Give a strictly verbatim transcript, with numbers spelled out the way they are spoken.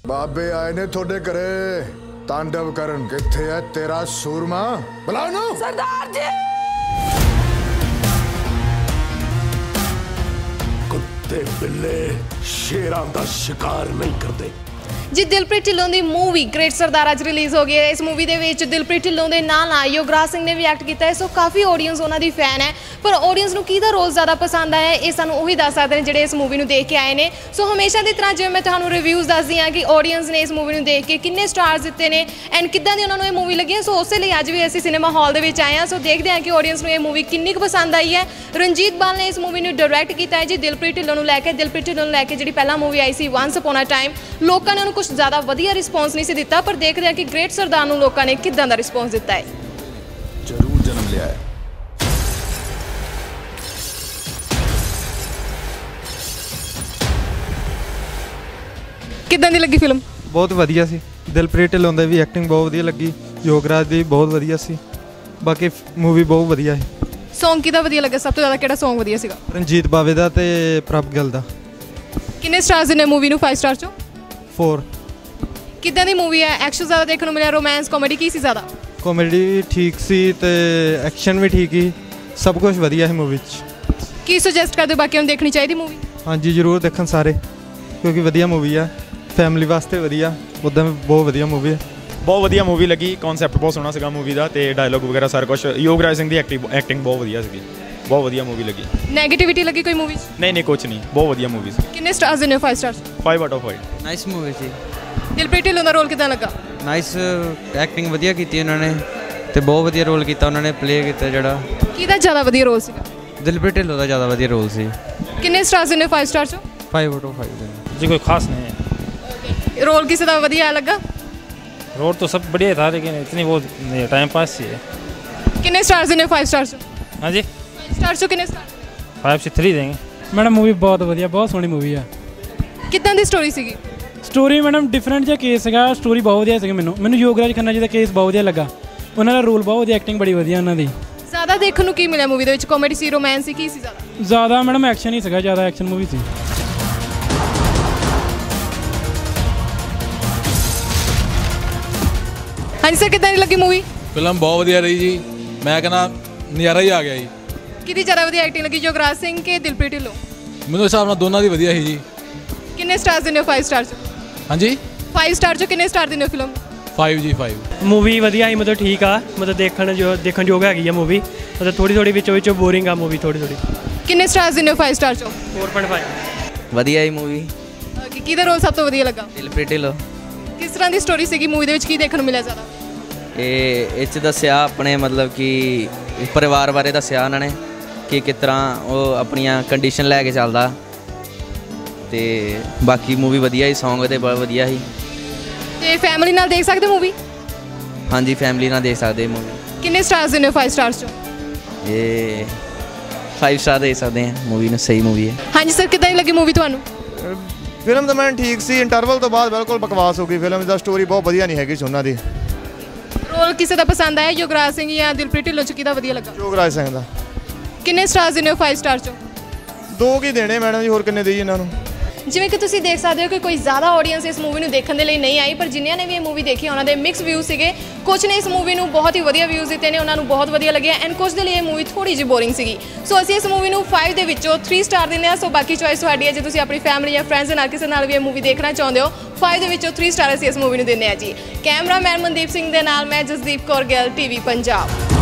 बाबे आए ने थोड़े करे तांडव करन। किथे है तेरा सूरमा? बुलाओ ना सरदार जी। कुत्ते बिल्ले शेरां दा शिकार नहीं करते। जी दिलप्रीत ढिल्लों की मूवी ग्रेट सरदार अज रिलीज़ हो गई है। इस मूवी के दिलप्रीत ढिल्लों के नाल नाल युवराज सिंह ने भी एक्ट किया है। सो काफ़ी ऑडियंस उन्होंने फैन है, पर ऑडियंस को किहदा रोल ज़्यादा पसंद आया ये सानू उही दस सकते हैं जिहड़े इस मूवी को देख के आए हैं। सो हमेशा की तरह जिवें मैं तुहानू रिव्यूज़ दसदी हाँ कि ऑडियंस ने इस मूवी को देख के किन्ने स्टार्स दिते ने एंड किद्दां दी उन्होंने ये मूवी लगी है। सो उस लिए अज भी असीं सिनेमा हॉल दे विच आए हैं। सो देखते हैं कि ऑडियंस को ये मूवी किन्नी क पसंद आई है। रंजीत बाल ने इस मूवी को डायरैक्ट किया है जी दिलप्रीत ढिल्लों लैके। दिलप्रीत ढिल्लों लैके जी पहला मूवी आई सी वंस अपॉन अ टाइम, लोगों ने उन्होंने कुछ ज़्यादा वधिया रिस्पॉन्स नहीं से दिता, पर देख रहे हैं कि ग्रेट सरदार नूं लोगों ने किदां दा रिस्पॉन्स दिता है। जरूर जन्म लिया है। किदां दी लगी फिल्म? बहुत वधिया सी। दिलप्रीत ढिल्लों दी भी एक्टिंग बहुत वधिया लगी, योगराज दी बहुत वधिया सी, बाकी मूवी बहुत वधिया है। सॉन्ग किहदा वधिया लगा? सब तो ज़्यादा किहड़ा सॉन्ग वधिया सीगा? रंजीत बावे दा ते प्रभ गिल दा। किन्ने स्टार्स दिने मूवी नूं? फाइव स्टार चों फोर। किदां दी मूवी है? एक्शन ज़्यादा देखने को मिला, रोमांस कॉमेडी की सी ज़्यादा? कॉमेडी ठीक सी ते एक्शन भी ठीक ही, सब कुछ वधिया है मूवी च। की सुजैसट करदे बाकियां नूं देखनी चाहिए मूवी? हाँ जी जरूर देखन सारे, क्योंकि वधिया मूवी है, फैमिली वास्ते वधिया, उदां बहुत वधिया मूवी है। बहुत वधिया मूवी लगी, कॉन्सैप्ट बहुत सोहना सीगा मूवी दा ते डायलॉग वगैरह सारा कुछ। योगराज सिंह दी एक्टिंग एक्टिंग बहुत वधिया सीगी, बहुत वधिया मूवी लगी। नेगेटिविटी लगी कोई मूवी? नहीं नहीं कुछ नहीं, बहुत वधिया मूवी सी। किन्ने स्टार्स दिने? Five stars. Five out of five. Nice movie सी। दिलप्रीत ढिल्लों दा रोल किदां लगा? नाइस एक्टिंग वधिया कीती उन्होंने ते बहुत वधिया रोल कीता उन्होंने प्ले कीता जेड़ा। किहदा ज़्यादा वधिया रोल सीगा? दिलप्रीत ढिल्लों दा ज़्यादा वधिया रोल सी। किन्ने स्टार्स दिने फाइव स्टार चों? फाइव आउट ऑफ फाइव जी कोई खास नहीं है। रोल किसी दा वधिया लगा? रोल तो सब बढ़िया था, लेकिन इतनी वो टाइम पास ही है। किन्ने स्टार्स दिने फाइव स्टार चों? हाँ जी फाइव स्टार चों किन्ने स्टार? फाइव से थ्री देंगे। मैडम मूवी बहुत वधिया, बहुत सोहनी मूवी है। किदां दी स्टोरी सीगी? स्टोरी मैडम डिफरेंट जिहा केस हैगा, स्टोरी बहुत वधिया सीगी। मैनू मैनू योगराज खन्ना जी का केस बहुत वधिया लगा, उन्होंने रोल बहुत वधिया, एक्टिंग बड़ी वधिया उन्हों दी। ज़्यादा देखने को की मिला मूवी दे विच? कॉमेडी सी, रोमांस सी, की सी ज़्यादा? ज़्यादा मैडम एक्शन ही सीगा, ज़्यादा एक्शन मूवी सी। हाँ जी सर, किदां दी लगी मूवी? फिल्म बहुत वधिया रही जी, मैं कहना नज़ारा ही आ गया जी। किहदी ज़्यादा वधिया एक्टिंग लगी, योगराज सिंह के दिलप्रीत ढिल्लों? मैनूं हिसाब नाल दोनों दी वधिया ही जी। किन्ने स्टार्स दिने फाइव स्टार चों? हाँ जी फाइव स्टार चों किन्ने स्टार दिने फिल्म? फाइव जी फाइव। मूवी वधिया ही, मतलब ठीक आ, मतलब देखण जो देखण योग हैगी आ मूवी, मतलब थोड़ी थोड़ी विचों विचों बोरिंग आ मूवी थोड़ी थोड़ी। किन्ने स्टार्स दिने फाइव स्टार चों? Four point five. वधिया ही मूवी। किहदा रोल सब तो वधिया लगा? दिलप्रीत ढिल्लों। किस तरह की स्टोरी सीगी मूवी दे विच, की देखने को मिला ज़्यादा? ਇਹ ਇਹ 'ਚ ਦੱਸਿਆ ਆਪਣੇ ਮਤਲਬ ਕਿ ਪਰਿਵਾਰ ਬਾਰੇ ਦੱਸਿਆ ਉਹਨਾਂ ਨੇ ਕਿ ਕਿਸ ਤਰ੍ਹਾਂ ਉਹ ਆਪਣੀਆਂ ਕੰਡੀਸ਼ਨ ਲੈ ਕੇ ਚੱਲਦਾ, ਤੇ ਬਾਕੀ ਮੂਵੀ ਵਧੀਆ ਹੀ, ਸੌਂਗ ਤੇ ਬਹੁਤ ਵਧੀਆ ਸੀ। ਤੇ ਫੈਮਿਲੀ ਨਾਲ ਦੇਖ ਸਕਦੇ ਮੂਵੀ? ਹਾਂਜੀ ਫੈਮਿਲੀ ਨਾਲ ਦੇਖ ਸਕਦੇ ਮੂਵੀ। ਕਿੰਨੇ ਸਟਾਰਸ ਦਿੰਦੇ ਹੋ फाइव ਸਟਾਰਸ ਚੋਂ? ਇਹ फाइव ਸਟਾਰ ਦੇ ਸਕਦੇ ਹਾਂ ਮੂਵੀ ਨੂੰ, ਸਹੀ ਮੂਵੀ ਹੈ। ਹਾਂਜੀ ਸਰ, ਕਿੱਦਾਂ ਦੀ ਲੱਗੀ ਮੂਵੀ ਤੁਹਾਨੂੰ? ਫਿਲਮ ਤਾਂ ਮੈਨੂੰ ਠੀਕ ਸੀ, ਇੰਟਰਵਲ ਤੋਂ ਬਾਅਦ ਬਿਲਕੁਲ ਬਕਵਾਸ ਹੋ ਗਈ ਫਿਲਮ ਦਾ, ਸਟੋਰੀ ਬਹੁਤ ਵਧੀਆ ਨਹੀਂ ਹੈਗੀ ਸੀ ਉਹਨਾਂ ਦੀ। ਰੋਲ ਕਿਸੇ ਦਾ ਪਸੰਦ ਆਇਆ, ਯੁਵਰਾਜ ਸਿੰਘ ਜਾਂ ਦਿਲਪ੍ਰੀਤ ਢਿੱਲੋਂ ਚ ਕਿਹਦਾ ਵਧੀਆ ਲੱਗਾ? ਯੁਵਰਾਜ ਸਿੰਘ ਦਾ। ਕਿੰਨੇ ਸਟਾਰਸ ਦਿੰਦੇ ਹੋ फाइव ਸਟਾਰ ਚੋਂ? ਦੋ ਕੀ ਦੇਣੇ ਮੈਡਮ ਜੀ, ਹੋਰ ਕਿੰਨੇ ਦੇਈਏ ਇਹਨਾਂ ਨੂੰ? ਜਿਵੇਂ ਕਿ ਤੁਸੀਂ ਦੇਖ ਸਕਦੇ ਹੋ ਕਿ ਕੋਈ ਜ਼ਿਆਦਾ ਆਡੀਅנס ਇਸ ਮੂਵੀ ਨੂੰ ਦੇਖਣ ਦੇ ਲਈ ਨਹੀਂ ਆਈ, ਪਰ ਜਿਨ੍ਹਾਂ ਨੇ ਵੀ ਇਹ ਮੂਵੀ ਦੇਖੀ ਉਹਨਾਂ ਦੇ ਮਿਕਸ ਵਿਊ ਸੀਗੇ। ਕੁਝ ਨੇ ਇਸ ਮੂਵੀ ਨੂੰ ਬਹੁਤ ਹੀ ਵਧੀਆ ਵਿਊਜ਼ ਦਿੱਤੇ ਨੇ, ਉਹਨਾਂ ਨੂੰ ਬਹੁਤ ਵਧੀਆ ਲੱਗਿਆ, ਐਂਡ ਕੁਝ ਦੇ ਲਈ ਇਹ ਮੂਵੀ ਥੋੜੀ ਜਿਹੀ ਬੋਰਿੰਗ ਸੀਗੀ। ਸੋ ਅਸੀਂ ਇਸ ਮੂਵੀ ਨੂੰ फाइव ਦੇ ਵਿੱਚੋਂ थ्री ਸਟਾਰ ਦਿੰਦੇ ਹਾਂ। ਸੋ ਬਾਕੀ ਚੋਇਸ ਤੁਹਾਡੀ ਹੈ, ਜੇ ਤੁਸੀਂ ਆਪਣੀ ਫੈਮਿਲੀ ਜਾਂ ਫਰੈਂਡਸ ਦੇ ਨਾਲ ਕਿਸੇ ਨਾਲ ਵੀ ਇਹ ਮੂਵੀ ਦੇਖਣਾ ਚਾਹੁੰਦੇ ਹੋ, फाइव ਦੇ ਵਿੱਚੋਂ थ्री ਸਟਾਰ ਅਸੀਂ ਇਸ ਮੂਵੀ ਨੂੰ ਦਿੰਦੇ ਹਾਂ ਜੀ। ਕੈਮਰਾਮੈਨ ਮਨਦੀਪ ਸਿੰਘ ਦੇ ਨਾਲ ਮੈਂ ਜਸਦੀਪ ਕੌਰ ਗਿੱਲ, ਟੀਵੀ ਪੰਜਾਬ।